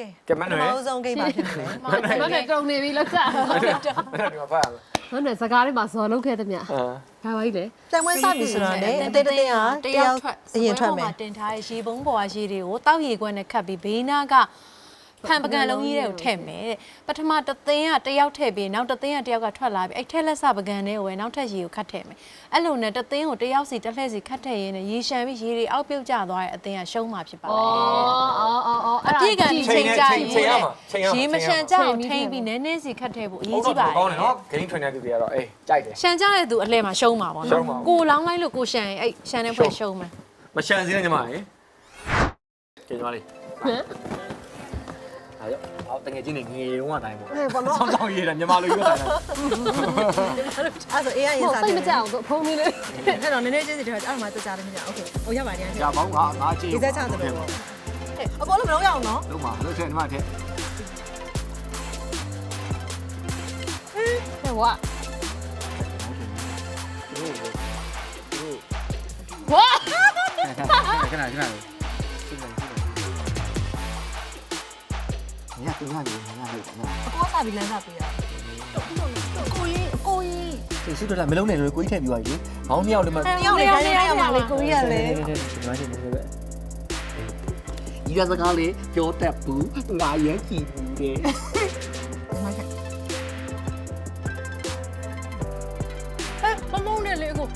ကဲမနော်အဆုံးကိန်းပါဖြစ်မယ်မနဲ့တုံနေပြီလောက်ကြဒီမှာဖတ်ရမယ်မနဲ့စကားလေးမှာဇော်လုပ်ခဲ့တဲ့မြတ်ဒါပါကြီးလေတန်ဝဲစပြီဆိုတော့လေအသေးသေးဟာတယောက်အရင်ထွက်မယ်တင်ထားတဲ့ရေပုံးပေါ်ကရေတွေကိုတောက်ရေခွက်နဲ့ခတ်ပြီးဘေးနားကဖန်ပကံလုံးကြီးတွေကိုထည့်မယ်တဲ့ပထမတစ်သင်းကတယောက်ထည့်ပြီးနောက်တစ်သင်းကတယောက်ကထွက်လာပြီးအဲ့ထက်လက်စပကံတွေကိုပဲနောက်ထပ်ရေကိုခတ်ထည့်မယ်အဲ့လိုနဲ့တစ်သင်းကိုတယောက်စီတစ်လှည့်စီခတ်ထည့်ရင်းနဲ့ရေရှမ်းပြီးရေတွေအောက်ပြုတ်ကျသွားတဲ့အသင်းကရှုံးမှာဖြစ်ပါတယ်အပြည့်ကချိန်ကြရေမရှမ်းကြအောင်ထိမ့်ပြီးနည်းနည်းစီခတ်ထည့်ဖို့အရေးကြီးပါတယ်ကောင်းတယ်နော်ဂိမ်းထွင်တဲ့သူတွေကတော့အေးကြိုက်တယ်ရှမ်းကြတဲ့သူအလှည့်မှာရှုံးမှာပေါ့နော်ကိုလောင်းလိုက်လို့ကိုရှမ်းရင်အဲ့ရှမ်းတဲ့ဖွဲ့ရှုံးမယ်မရှမ်းစင်းနဲ့ညီမရေကဲညီမလေးအားရအော်တကယ်ချင်းနေငယ်တုန်းကတိုင်းပေါ့ဆောင်းဆောင်းရေးတာမြန်မာလိုရေးတာအဲ့ဆိုအေးရင်စားစိတယ်တ်မကြအောင်ဖုံးလေးလေးအဲ့တော့နည်းနည်းချင်းစီတော့အဲ့မှာတကြားတယ်မကြโอเคဟိုရပါတယ်ကြာပေါင်းငါကြည့်ဒီသက်ချတယ်ပေါ့အကောလုံးမလုံးရအောင်နော်လုံးပါလို့ဆက်ညီမထက်ဟဲ့ဝါဝါခဏညတူညလို့အကောစားပြီးလမ်းစားပေးရကိုကြီးစိတ်ဆူတော့မလုံးနဲ့လို့ကိုကြီးထည့်ပြီးသွားပြီဘောင်းမြောက်လည်းမတယောက်လေတိုင်းရမှာလေကိုကြီးရလေဒီကစကားလေးပြောတတ်ဘူးငါရမ်းကြည့်ဘူးတဲ့မမုန်းနဲ့လေကို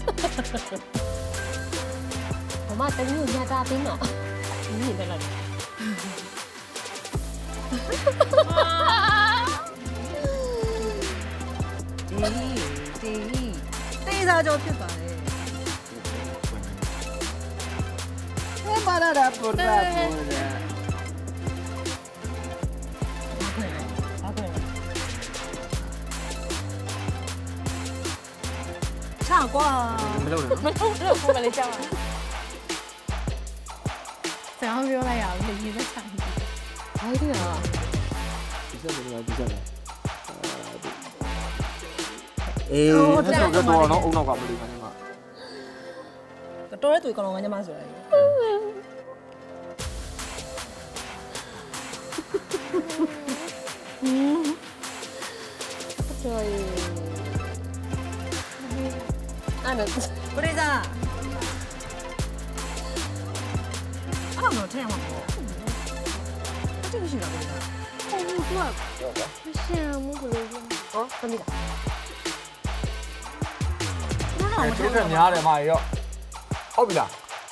မမတမီးကိုညတာပေးမှာညီနေလိုက်တေးစားကြောဖြစ်ပါလေပါလာတာပေါ်တာပေါ်တာချောက်ကွာမလုံးနဲ့မမုန်းတော့ကိုမလေးကြောက်ပါဆရာပြောလိုက်ရအောင်လေရေသက်ဆိုင်ဘာကြီးလဲဒီစက်လည်းဒီစက်လည်းအေးဆက်တော့တော့အုံနောက်ကမလို့ခဏမှာတော်တဲ့သူကောင်လုံးကညမဆိုရယ်ကျော်ရီအဲ့ဒါကိုရီးစားအဲ့တော့ထဲမှာပေါ့အတူရှိတာကိုရီးစားမရှမ်းဘူးဘလို့ဟောသမီးလားကျိုးထက်များတယ်မရောဟုတ်ပြီလား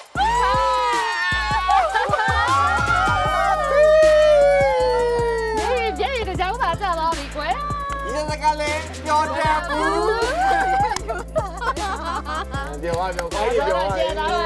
ပြည့်ရတဲ့ကြောင်းသားကြတော့ဒီကွယ်ဒီစကားလေးပြောတတ်ဘူးပြောပါတော့ကောင်းပြီပြောပါ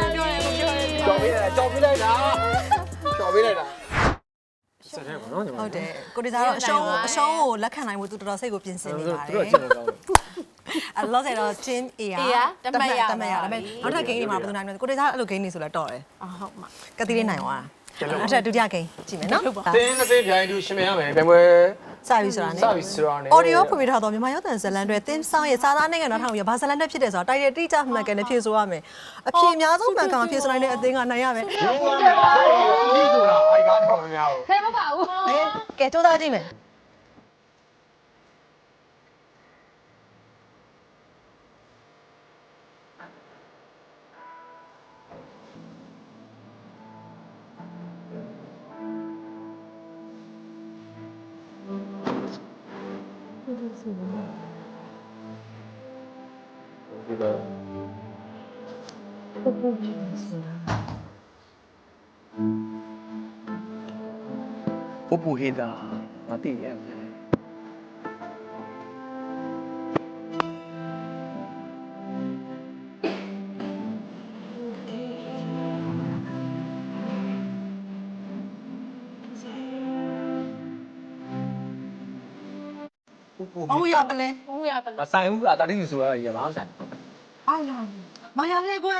ကြော်ပေးလိုက်တာကြော်ပေးလိုက်တာဆက်တယ်ပေါ့နော်ညီမဟုတ်တယ်ကိုရီးစားတော့အရှုံးကိုလက်ခံနိုင်ဖို့သူတော်တော်စိတ်ကိုပြင်ဆင်နေပါတသူယ်တို့ချက်တော့ကောင်းတယ်အဲ့လောဆယ်တော့ team A တမက်ရဒါပေမဲ့နောက်ထပ် game တွေမှာဘယ်သူနိုင်မလဲကိုရီးစားအဲ့လို game တွေဆိုလဲတော့တယ်ဟုတ်မှာကတိလေးနိုင်သွားနောက်ထပ်ဒုတိယ game ကြည့်မယ်နော်တင်း20ပြိုင်တူရှင်မရမယ်ပြိုင်ပွဲစပြီဆိုတာနဲ့စပြီဆိုတာနဲ့ audio ဖွင့်ပြထားတော့မြန်မာရောက်တဲ့ဇလန်တွေတင်းဆောင်ရဲ့စာသားနိုင်ငံတော်ထောင်ရဘာဇလန်တက်ဖြစ်တယ်ဆိုတာတိုက်ရတိကျမှန်ကန်နဲ့ဖြေဆိုရမယ်အဖြေအများဆုံးမှန်ကန်ဖြေဆိုနိုင်တဲ့အသင်းကနိုင်ရမယ်ဒီဆိုတာအိုက်ကတော့မများဘူးခဲမပါဘူးကဲစူးစမ်းကြည့်မယ်ပူဟေးတာမသိရဘူးအော်ရတယ်လေဟုတ်ရပါမဆိုင်ဘူးအတားတင်းဆိုရရမအောင်ဆိုင်အားလာမရလေကွယ်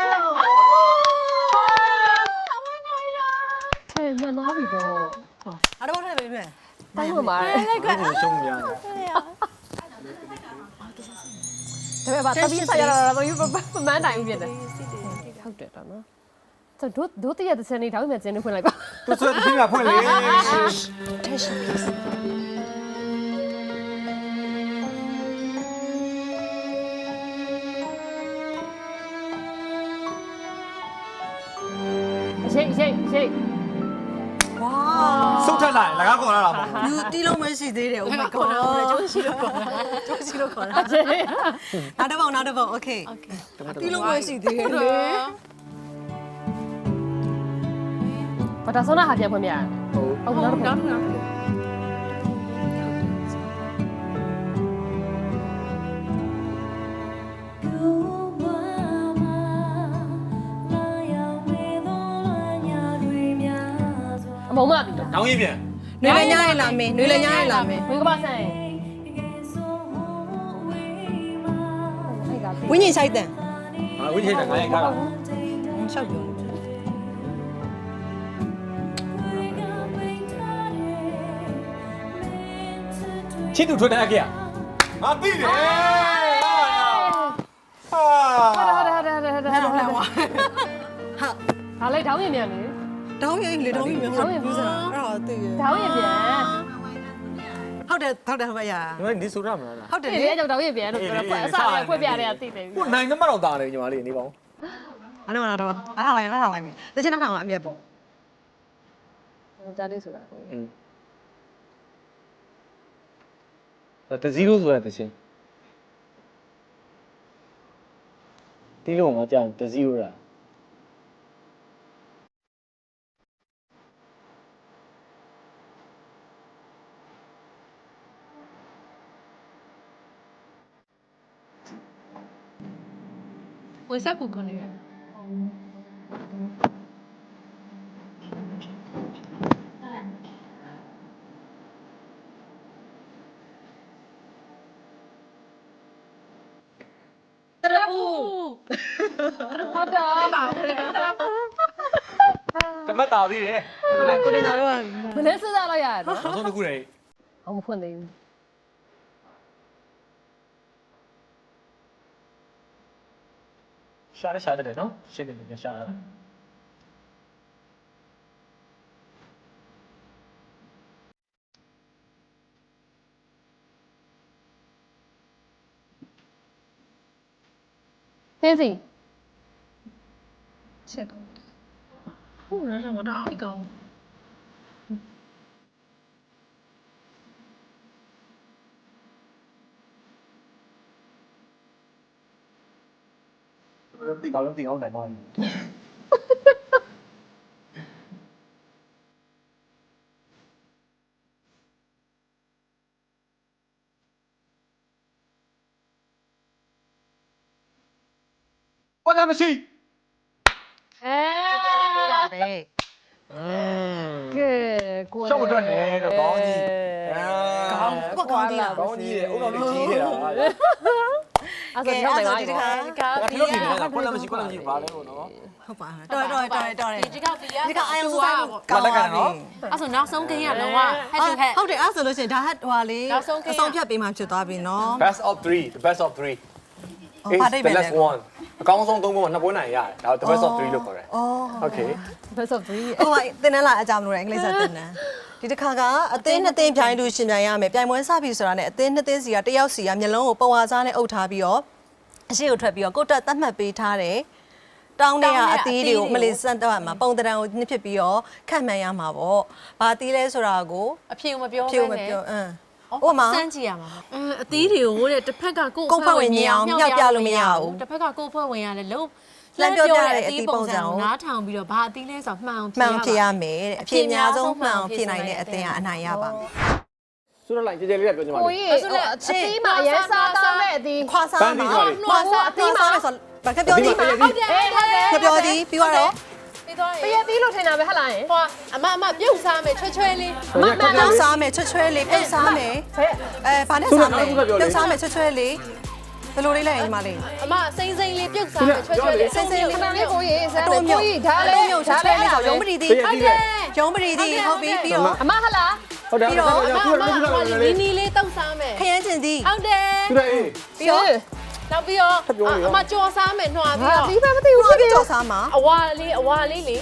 ဟဲ့ညနာပြီတော့အားတော့ထည့်ပေးမယ်တိုင်းမှာကိုရှုံးများတယ်ဒါပေမဲ့တပီးဆက်ရတာတော့ယူမမှန်းနိုင်ဘူးဖြစ်တယ်ဟုတ်တယ်တော့နော်တို့တရက်တစ်စနေတောင်းမှကျင်းနေဖွင့်လိုက်ပါသူဆိုတဲ့ပြင်းကဖွင့်လေ Attention please ရိတ်ဝါစုတ်ထက်လိုက်လကားခေါ်လာတာပေါ့လူတီးလုံးမရှိသေးတယ် Oh my god ကျိုးရှိလို့ခေါ်တာကျိုးရှိလို့ခေါ်တာနောက်တစ်ပုံ Okay တီးလုံးမရှိသေးတယ်လေဘာသာဆုံးတာဟာပြန်ဖွင့်ပြရဟုတ်နောက်တစ်ခါ အမုံမပြီတော့။တောင်းရင်ပြန်နွေလည်းညရင်လာမင်းနွေလည်းညရင်လာမင်းဝင်းကပါဆန်ဟိုကဝင်းရင်ဆိုင်တန်။ဟာဝိချိတ်တယ်ငါရင်ခါတာရှောက်ပြော။ချစ်သူထွန်းတဲ့အကေ။ငါသိတယ်။ဟာဟာဟာဟာလိုက်ထောင်းရင်မြန်လေတောင်းရင်လေတောင်းရင်မျိုးဘူးစားအဲ့ဒါသိရထောင်းရင်မြန်ဟုတ်တယ်ဟုတ်ရ။ဒီမှာဒီဆိုရမလားဟုတ်တယ်ဒီလေလေကြောင့်ထောင်းရင်မြန်လို့ပြောတော့အစားရဖွင့်ပြရတယ်အသိတယ်။ကိုနိုင်သမားတော့တာလေညီမလေးနေပါဦးအဲ့တော့တော့အားထားလိုက်မယ်တချင်နောက်ထောင်အမြက်ပေါ့ကြားလေးဆိုတာ။อืมတဇီရိုဆိုတဲ့တချင်း။ဒီလိုငါကြောင်တဇီရိုလား။ဝယ်ဆက်ကူကနေဟုတ်တော့တမတ်တာသေးတယ်ကိုနေတော်တို့ကမနေ့စဉ်းစားလိုက်ရတယ်နော်။နောက်ဆုံးတစ်ခုလေအောင်မဖွင့်သေးဘူး။ရှာတယ်နော်။ရှင်းတယ်ရှာတယ်သင်းစီချက်ဟုတ်လားတော့တော့အကောင်။ဒီကောင်လုံးတင်အောင်နိုင်တော့။ ဘာသာမရှိအဲပဲကဲကိုရှောက်အတွက်နေတော့ကောင်းကြီးကောင်းကောင်းသေးလားကောင်းကြီးတယ်အုံတော်လေးကြီးနေတာအဲ့ဒါတော့နိုင်ပါဒီဒီတကခါဒီလိုနေနေတာခွန်းလည်းမရှိဘာလဲလို့နော်ဟုတ်ပါတော်ဒီကောက်ပြီးရဒီကအာယုံဆိုင်ကိုကောင်းလက်ကန်နော်အဲ့ဆိုနောက်ဆုံးကင်းရလုံးဝ head to head ဟုတ်တယ်အဲ့ဆိုလို့ရှိရင်ဒါဟဟွာလေးအဆုံးဖြတ်ပေးမှဖြစ်သွားပြီနော် best of 3 the best of 3 ဘာတိတ်ပဲ the လဲ last one အကောင်းဆုံး3ပွဲမှာ2ပွဲနိုင်ရတယ်ဒါ the best of 3လို့ခေါ်တယ်အော် okay best of 3 ဟိုကတင်းနှန်းလာအကြောင်းလို့အင်္ဂလိပ်စာတင်းနှန်းဒီတစ်ခါကအသင်းနှစ်သင်းပြိုင်လို့ရှင်ပြိုင်ရမယ်ပြိုင်ပွဲစပြီဆိုတာနဲ့အသင်းနှစ်သင်းစီကတယောက်စီကမျက်လုံးကိုပုံဝါစားနဲ့အုပ်ထားပြီးတော့အရှိကိုထွက်ပြီးတော့ကိုတက်သတ်မှတ်ပေးထားတယ်တောင်းတဲ့အသီးတွေကိုမလေးစမ်းတော့မှာပုံတံကိုနှစ်ဖြစ်ပြီးတော့ခန့်မှန်းရမှာပေါ့ဘာသီးလဲဆိုတာကိုအဖြေမပြောဖြိုးမနဲ့ပြောဟိုမှာစမ်းကြည့်ရမှာအသီးတွေကိုတဲ့တစ်ဖက်ကကိုတစ်ဖက်ကကိုဖွဲ့ဝင်ရတယ်လို့အသီးပုံစံကိုနားထောင်ပြီးတော့ဘာအသီးလဲဆိုမှန်အောင်မှန်ဖြစ်ရမယ်တဲ့အဖြစ်အများဆုံးမှန်အောင်ဖြစ်နိုင်တဲ့အသင်းကအနိုင်ရပါမယ်ဆိုတော့လိုက်ကြဲကြဲလေးကပြောချင်ပါကိုလေကြီးအသီးမှာရဲစားတောင်းတဲ့အသီးခွာစားမှာခွာစားအသီးမှာဆိုဘာကပြောသည်ဟုတ်တယ်ဟုတ်တယ်ကပြောသည်ပြီးတော့ပြီးတော့ပရသီးလို့ထင်တာပဲဟလားယင်ဟိုအမပြုတ်စားမယ်ချွဲချွဲလေးမမပြုတ်စားမယ်ချွတ်ချွဲလေးပြုတ်စားမယ်ဟဲ့ဘာနဲ့စားမလဲပြုတ်စားမယ်ချွတ်ချွဲလေးဘယ်လိုလေးလဲညီမလေးအမစိမ့်စိမ့်လေးပြုတ်စားမယ်ချွဲချွဲလေးစိမ့်စိမ့်လေးခဏလေးကိုကြီးစမ်းတယ်ကိုကြီးဒါလည်းမြုပ်ချွတ်ချွဲလေးဆိုရုံးပရီသည်ဟုတ်တယ်ရုံးပရီသည်ဟုတ်ပြီပြီးတော့အမဟလားဟုတ်တယ်ပြီးတော့နီနီလေးတောက်စားမယ်ခရမ်းကျင်သည်ဟုတ်တယ်သူလည်းအေးပြီးတော့နောက်ပြီးတော့အမကြော်စားမယ်နှွာပြီးဟာတော့ဒီပဲမသိဘူးပြီးတော့ကြော်စားမှာအဝါလေးလေ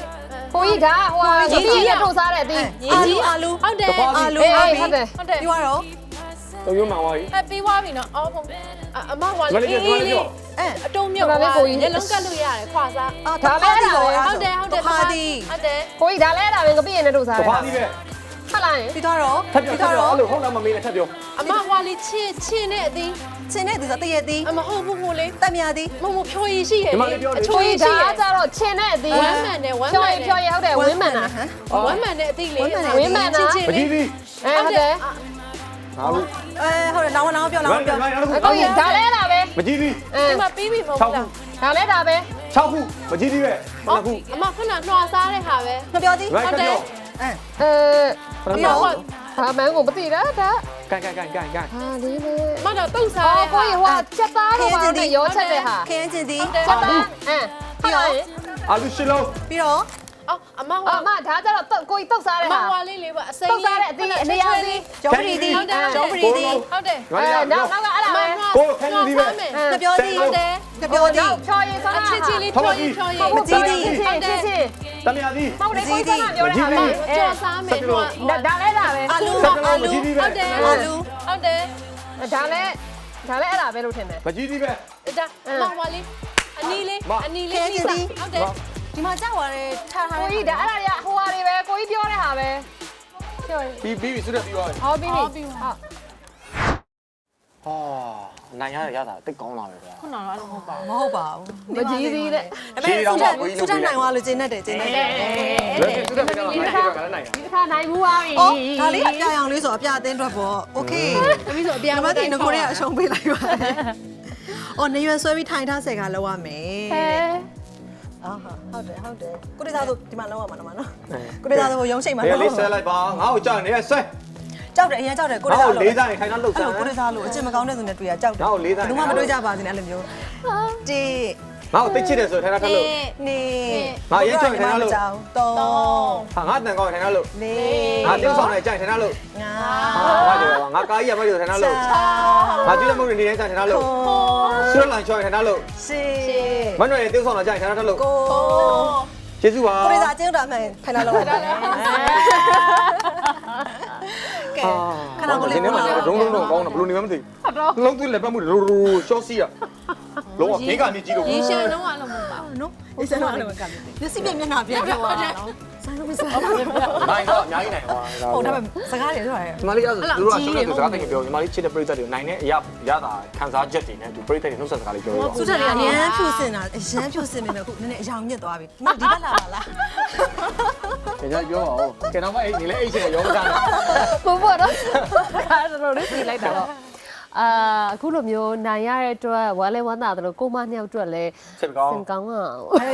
ကိုကြီးဒါဟိုကြီးရထုတ်စားတဲ့အသီးအာလူဟုတ်တယ်အာလူဟုတ်တယ်ဟုတ်တယ်ပြောရတော့တော်ရုံးမှန်သွားပြီပြီးသွားပြီနော်အော်ဟုတ်အမဟွာမလေးပြောမလေးပြောအတုံးမြုပ်မျက်လုံးကတ်လို့ရတယ်ခွာစားဒါပဲအဲ့ဒါပဲဟုတ်တယ်ဟုတ်တယ်ခါတီဟုတ်တယ်ကိုကြီးဒါလဲအဲ့ဒါပဲငပိရင်နဲ့ထုတ်စားတတယ်ခွားသေးပဲဟုတ်လားယင်ပြီးတော့ထပ်ပြောထပ်ပြောအဲ့လိုဟုတ်လားမမေးနဲ့ထပ်ပြောအမဟွာလေးချင်းနဲ့အသီးစင်းတဲ့သူဆိုတရက်သည်အမဟုတ်ဘူးလေးတက်မြသည်မဖြိုရည်ရှိရဲ့အချိုးကြီးဒါကြတော့ချင်တဲ့အသီးဝမ်းမှန်တယ်ဝမ်းမှဖြောန်ရင်ဖြောရင်ဟုတ်တယ်ဝင်းမှန်တာဝမ်းမှန်တဲ့အသီးလေးဝင်းမှန်တာမကြည့်သေးဟုတ်တယ်ငါတို့ဟုတ်တယ်နောက်ပြောနောက်ပြောကိုကြီးဒါလဲအဲ့ဒါပဲမကြည့်သေးဒီမှာပြီးပြီမဟုတ်လားဒါလဲဒါပဲ 6ခုမကြည့်သေးပဲ9ခုအမခုနနှွာစားတဲ့ဟာပဲမပြောသည် right ထပ်ပြောပြီးတော့ဒါမန်းကိုမသိတာဒါကန်ကန်ဟာလေးလေမတော့တုတ်စားအော်တဲ့ကိုကြီးဟိုချက်သားတော့ပါနဲ့ရောချက်တဲ့ဟာခင်းချင်းသည်ချက်သားဟုတ်လားအာလူရှစ်လုံးပြီးတော့အော်အမဟွာအမဒါကြတော့ကိုကြီးတုတ်စားတဲ့အမဟာဟွာလေးလေးပါအစိမ်းတုတ်စားတဲ့အသီးအနေရောင်သီးဂျောပရီသည်ဂျောပရီသည်ဟုတ်တယ်ငါရနောက်ကအဲ့ဒါပဲကိုခန်းကြီးပဲမပြောသည်ဟုတ်တယ်မပြောသည်ဖြောရင်စားအတာချစ်ချစ်လေးဖြောရည်ဖြောရည်မကြည့်သေးချင်းချင်းတမယာသည်မဟုတ်လေကိုကြီးစားပြောတာပဲကြော်စားမယ်နှွာဒါလဲဒါပဲအာလူမကြည့်သေးပဲဟုတ်တယ်အာလူဟုတ်တယ်ဒါလဲအဲ့ဒါပဲလို့ထင်တယ်မကြည့်သေးပဲဒါမဟွာလေးအနီလေးဟုတ်တယ်ဒီမှာကြောက်ရတယ်ထားထားကိုကြီးဒါအဲ့ဒါတွေကဟိုဟာတွေပဲကိုကြီးပြောတဲ့ဟာပဲပြောရင်ပြီးစွတ်ပြီးသွားပြီဟောပြီးပြီဟုတ်ဟာနိုင်ရတာတိတ်ကောင်းလာပဲဗျာခုနကတော့အဲ့လိုမဟုတ်ပါဘူးမဟုတ်ပါဘူးမကြည့်သေးတဲ့ဒါပေမဲ့သူထနိုင်သွားလို့ကျင်းတတ်တယ်ကျင်းတတ်တယ်လွယ်စွတ်ပြီးတော့နိုင်တယ်ကလည်းနိုင်တာဒီတစ်ခါနိုင်ဘူးပါပြီအော်ဒါလေးအပြာရောင်လေးဆိုအပြာအသင်းအတွက်ပေါ့โอเคတမီးဆိုအပြန်ဒီမှာတင်ကိုရဲအရှုံးပေးလိုက်ပါတယ်အော်နေရွယ်ဆွဲပြီးထိုင်ထားဆယ်ကလောက်ရမယ်ဟဲဟုတ်တယ်ကိုတေသာဆိုဒီမှာလောက်ရမှာနော်ကိုတေသာဆိုရုံးချိန်မှာဘယ်လေးဆွဲလိုက်ပါငါ့ကိုကြောက်နေရဆွဲကြောက်တယ်အရင်ကြောက်တယ်ကိုတေငါ့သာကိုလေးစားရင်ခိုင်းတော့လှုပ်အဲ့စမ်းလိုကိုတေသာလို့အကျင့်မကောင်းတဲ့သူနဲ့တွေ့ရကြောက်တယ်ငါ့ကိုလေးစားဘယ်သူမှမတွေ့ကြပါစေနဲ့အဲ့လိုမျိုးတေငါ့ကိုတိတ်ချစ်တယ်ဆိုထိုင်ထားလို့နေငါရေးချင်ထိုင်ထားလို့ 3 ဟာငါတန်ကောင်းထိုင်ထားလို့ 4 ငါတင်းဆောင်နေကြိုင်ထိုင်ထားလို့ 5 ငါကြောငါကားကြီးရမလို့ထိုင်ထားလို့ငါကြည့်တဲ့မုတ်နေနေထိုင်ထားလို့ဆွဲလိုင်းချောင်းထိုင်ထားလို့ 6 မနှွယ်တင်းဆောင်တော့ကြိုင်ထိုင်ထားလို့ 9 ကျေးဇူးပါကိုတေသာကျင်းတာမှန်ထိုင်လာလောက်ရတယ်ကဲခဏကိုလေးဒီနေ့မှရုံးလုံးကောင်းတာဘလို့နေမှမသိဘူးလုံးသွေးလက်ပတ်မှုရိုးရှော့စီရလုံးဝခေကမြည်ကြည့်လို့ရေရှမ်းတော့အဲ့လိုမဟုတ်ပါဘူးနော်ဒီစမ်းတော့လည်းကပ်မျက်စိပြမျက်နှာပြပြောတာနော်ဆိုင်လို့မဆိုင်နိုင်တော့အများကြီးနိုင်သွားဟုတ်ဒါပေမဲ့စကားတွေပြောရတယ်ညီမလေးအဲ့ဒါသူတို့ကရှုံးတဲ့သူစကားတင်ပြောညီမလေးချစ်တဲ့ပရိသတ်တွေနိုင်တဲ့အရာရတာခံစားချက်တွေနဲ့သူပရိသတ်တွေနှုတ်ဆက်စကားလေးပြောရအောင်သူတက်လေးအရန်ဖြူစင်တာအရန်ဖြူစင်နေတယ်ခုနည်းနည်းအယောင်ညစ်သွားပြီဒီဘက်လာပါလားကြည့်ပြောအောင်ကဲတော့မအဲ့ဒီလေအိတ်ချင်ရောမစားနဲ့ကိုပေါ့တော့ဒါတော့လေးပြလိုက်တာတော့အခုလိုမျိုးနိုင်ရတဲ့အတွက်ဝမ်းလဲဝမ်းသာတယ်လို့ကိုမနှစ်ယောက်အတွက်လည်းစစ်ကောင်းစင်ကောင်းအောင်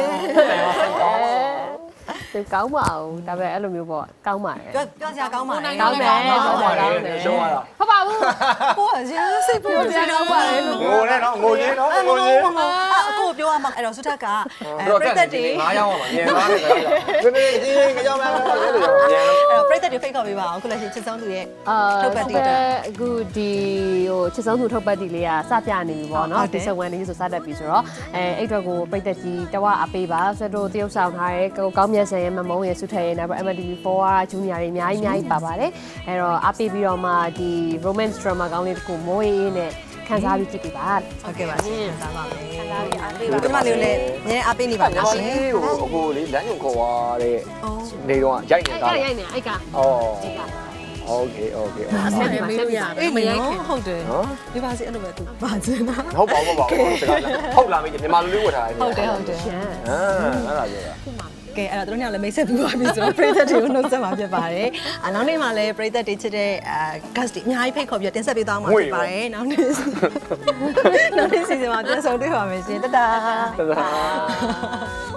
စင်ကောင်းပါအောင်ဒါပဲအဲ့လိုမျိုးပေါ့ကောင်းပါတယ်ပြောစရာကောင်းပါလေကောင်းတယ်ရှုံးရတာဟုတ်ပါဘူးကိုကရန်စိတ်ပူနေတော့ပါလေငိုနဲ့နော်ငိုချင်းနော်ငိုချင်းအခုပြောရမှာအဲ့တော့စုထက်ကပြိသက်တွေငါးရောက်ပါညင်သွားတယ်ဆိုတော့ဒီနေ့ကြောင်လာတယ်လို့ညင်အဲ့တော့ပြိသက်တွေဖိတ်ခေါ်ပေးပါအောင်ခုလက်ရှိချစ်ဆုံးသူရဲ့ထုတ်ပတ်တီးတာအခုဒီဟိုချစ်ဆုံးသူထုတ်ပတ်တီလေးကစပြနေပြီပေါ့နော်ဒီစဝန်လေးဆိုစတတ်ပြီဆိုတော့အဲ့အတွက်ကိုပိတ်သက်ကြီးတဝအပေးပါဆက်တို့တရုပ်ဆောင်ထားရဲကောင်းမြတ်ဆန်ရဲ့မမုံရဲ့စုထက်ရဲ့နောက် MTV4 ကဂျူနီယာတွေအများကြီးပါပါတယ်အဲ့တော့အပေးပြီးတော့မှဒီ romance drama ကောင်းလေးတစ်ခုမိုးအေးနဲ့ခန်းစားပြီးကြည့်ပြပါဟုတ်ကဲ့ပါရှင်ခန်းစားပါမယ်ခန်းစားပြီးအားပေးပါဒီမှာလေးလည်းနည်းအားပေးနေပါလားရှင်ဟိုအခုလေလမ်းညွန်ခေါ်သွားတဲ့နေတော့ရိုက်နေတာရိုက်နေအိုက်ကဩโอเคโอเคအဆက်နေမေးလို့ရအေးမရိုက်ခင်ဟုတ်တယ်နော်ဒီပါစီအဲ့လိုပဲသူပါစင်တာဟုတ်ပါဘူးဟုတ်လားမေးမြန်မာလူလေးဝတ်ထားတယ်ဟုတ်တယ်အဲ့ဒါပြောတာကဲအဲ့တော့တို့ညလည်းမိတ်ဆက်ပြီးပါပြီဆိုတော့ပရိသတ်တွေကိုနှုတ်ဆက်မှာဖြစ်ပါတယ်။နောက်နေ့မှာလည်းပရိသတ်တွေချစ်တဲ့guest တွေအများကြီးဖိတ်ခေါ်ပြီးတင်ဆက်ပေးသွားမှာဖြစ်ပါတယ်။နောက်နေ့စီစဉ်မှာပြန်ဆုံတွေ့ပါမယ်ရှင်။တတာတဒါ